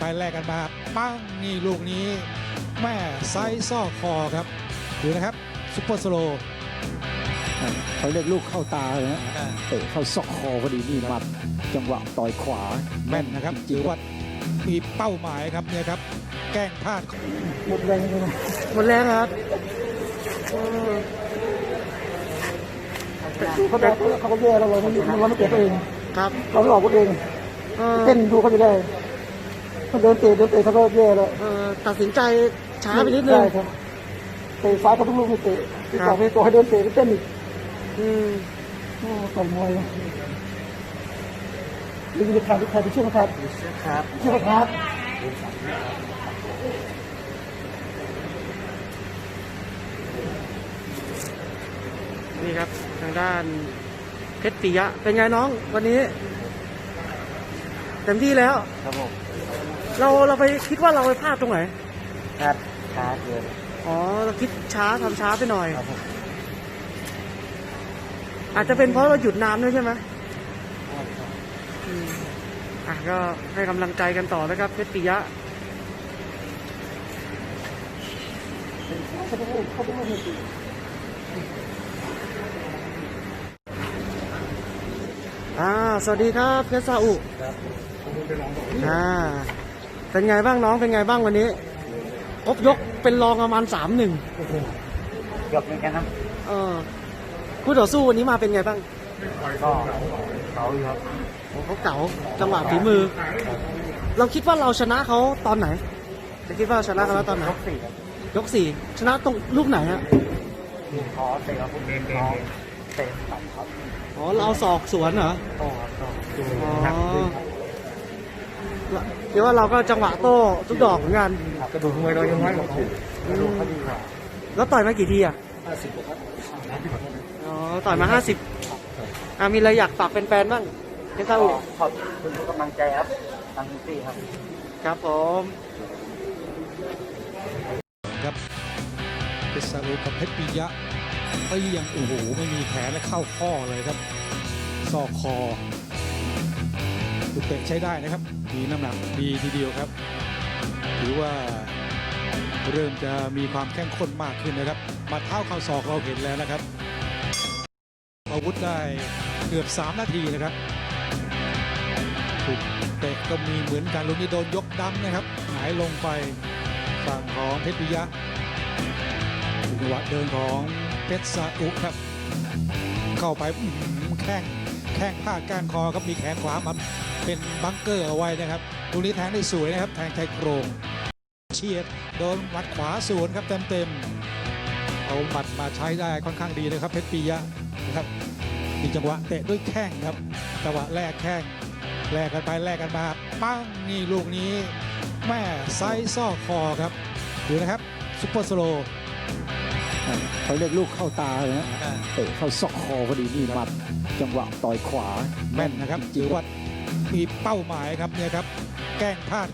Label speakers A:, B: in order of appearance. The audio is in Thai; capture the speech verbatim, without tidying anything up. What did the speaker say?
A: ไปแลกกันมาปั้งนี่ลูกนี้แม่ไซส์ซ่อคอครับดูนะครับซุปเปอร์สโลว์
B: เขาเรียกลูกเข้าตาเลยนะเตะเข้าซอกคอพอดีนี่มัดจังหวะต่อยขวา
A: แม่นนะครับถือว่ามีเป้าหมายครับเนี่ยครับแกล้งพลาด
B: หมดแรงเลย
C: หมดแรงครับ
B: เขาบอกเขาก็แย่เราเราไม่เราไม่เตะตัวเอง
C: ครับ
B: เราหลอกตัวเองเต้นดูเขาไม่ได้เขาเดินเตะเดินเตะเขาก็แย่แล้ว
C: ตัดสินใจช้าไปนิดนึง
B: เตะซ้ายเขาต้องลูกไม่เตะที่ต่อไปตัวให้เดินเตะเต้นอีก
C: อืม
B: ต่อยมวยลิงจะขาดใครไปช่วยครับ
C: ครับ
B: ช่วยครับ
C: นี่ครับทางด้านเพชรปิยะเป็นไงน้องวันนี้เต็มที่แล้ว
D: ครับผม
C: เราเราไปคิดว่าเราไปพลาดตรงไหน
D: ครับช้าเกิน
C: อ๋อเราคิดช้าทำช้าไปหน่อย
D: ครับผม
C: อาจจะเป็นเพราะเราหยุดนานด้วยใช่ไหมอ่ะก็ให้กำลังใจกันต่อนะครับเพชรปิยะอ่าสวัสดีครับเพชรซาอุอ่าเป็นไงบ้างน้องเป็นไงบ้างวันนี้ครบยกเป็นรองประมาณสามหนึ่ง
D: เกือบเหมือนกันนะ
C: เออคู่ต่อสู้วันนี้มาเป็นไงบ้าง
D: ก็เขาอยู่ครับ
C: เขาเก๋าจังหวะฝีมือเราคิดว่าเราชนะเขาตอนไหนจะคิดว่าชนะเขาตอนไหน
D: ยกสี่
C: ยกสี่ชนะตรงลูกไหนฮะ
D: ขอเตะครับเตะเตะตัดครับ
C: อ๋อเราเอาศอกสวนเหรอ
D: โต้ครับโต้
C: อ๋อเดี๋ยวว่าเราก็จังหวะโต้ทุกดอกเหมือนกัน
D: กระดูกมวยเรายังน้อยกว่ากระดูกเขาดีกว่า
C: แล้วต่อยมากี่ทีอ่ะ
D: ห้าสิบครับ
C: อ๋อต่อยมาห้าสิบอ่ะมีอะไรอยากฝากแฟนๆบ้างเพชรซาอุ
D: ขอบคุณทุกกำลังใจครับทางที่ครับ
C: ครับผม
A: ครับเพชรซาอุกับเพชรปิยะก็ยังโอ้โหไม่มีแขนและเข้าข้อเลยครับซอกคอตุเตะใช้ได้นะครับมีน้ำหนักดีทีเดียวครับถือว่าเริ่มจะมีความเข้มข้นมากขึ้นนะครับมาเท้าเข่าศอกเราเห็นแล้วนะครับอาวุธได้เกือบสามนาทีนะครับถูกเตะก็มีเหมือนกันลูกนี้โดนยกดำนะครับหงายลงไปฝั่งของเพชรปิยะจังหวะเดินของเพชรซาอุครับเข้าไปแข้งแข้งพาดก้านคอครับมีแขนขวามาเป็นบังเกอร์เอาไว้นะครับลูกนี้แทงได้สวยนะครับแทงชายโครงเฉียดโดนหมัดขวาสวนครับเต็มๆเอาหมัดมาใช้ได้ค่อนข้างดีเลยครับเพชรปิยะนะครับมีจังหวะเตะด้วยแข้งครับจังหวะแรกแข้งแลกกันไปแลกกันมาปั้งนี่ลูกนี้แม่ไซส์ซ่อคอครับดูนะครับซุปเปอร์สโลว์
B: เขาเรียกลูกเข้าตาเลยนะเตะเข้าซอกคอพอดีนี่มัดจังหวะต่อยขวา
A: แม่นนะครับถือว่ามีเป้าหมายครับเนี่ยครับแกล้งพลาด